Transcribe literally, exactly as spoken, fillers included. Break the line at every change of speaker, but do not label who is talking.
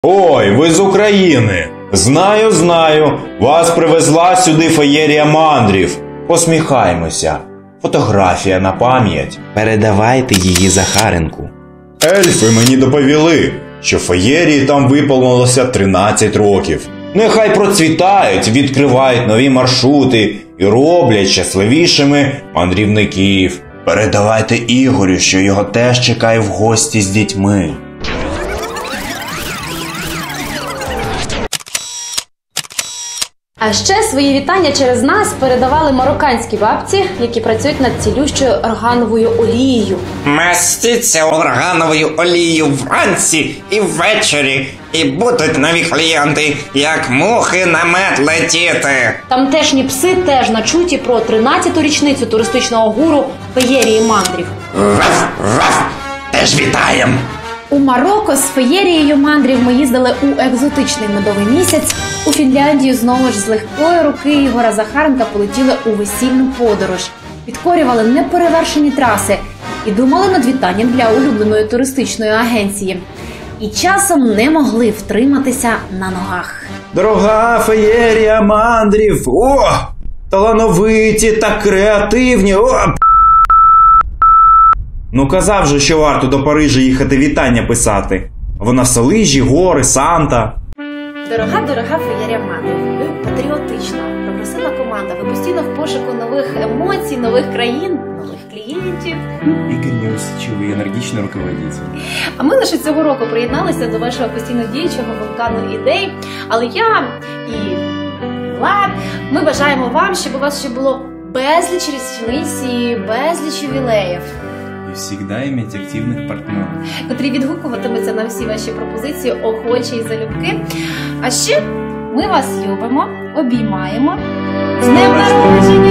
Ой, ви з України! Знаю, знаю, вас привезла сюди феєрія мандрів. Посміхаймося. Фотографія на пам'ять. Передавайте її Захаренку. Ельфи мені доповіли, що феєрії там виповнилося тринадцять років. Нехай процвітають, відкривають нові маршрути і роблять щасливішими мандрівників. Передавайте Ігорю, що його теж чекає в гості з дітьми.
А ще свої вітання через нас передавали марокканські бабці, які працюють над цілющою органовою олією.
Мастіться органовою олією вранці і ввечері, і будуть нові клієнти, як мухи на мед летіти.
Тамтешні пси теж начуті про тринадцяту річницю туристичного гуру феєрії мандрів.
Ваф, ваф, теж вітаєм!
У Марокко з феєрією мандрів ми їздили у екзотичний медовий місяць. У Фінляндію знову ж з легкої руки Ігора Захаренка полетіли у весільну подорож. Підкорювали неперевершені траси і думали над вітанням для улюбленої туристичної агенції. І часом не могли втриматися на ногах.
Дорога феєрія мандрів! О! Талановиті та креативні! О! Ну казав же, що варто до Парижа їхати вітання писати. Вона Салижі, гори, Санта.
Дорога-дорога феєрія мандрів. Ви патріотична, прогресивна команда. Ви постійно в пошуку нових емоцій, нових країн, нових клієнтів.
Игорь неусидчивый, энергичный руководитель.
А ми лише цього року приєдналися до вашого постійно діючого вулкану ідей. Але я і Влад, ми бажаємо вам, щоб у вас ще було безліч річниць і безліч ювілеїв.
И всегда иметь активных партнеров.
Котрі відгукуватимуться на всі ваші пропозиції охочі і залюбки. А ще ми вас любимо, обіймаємо. З днем народження!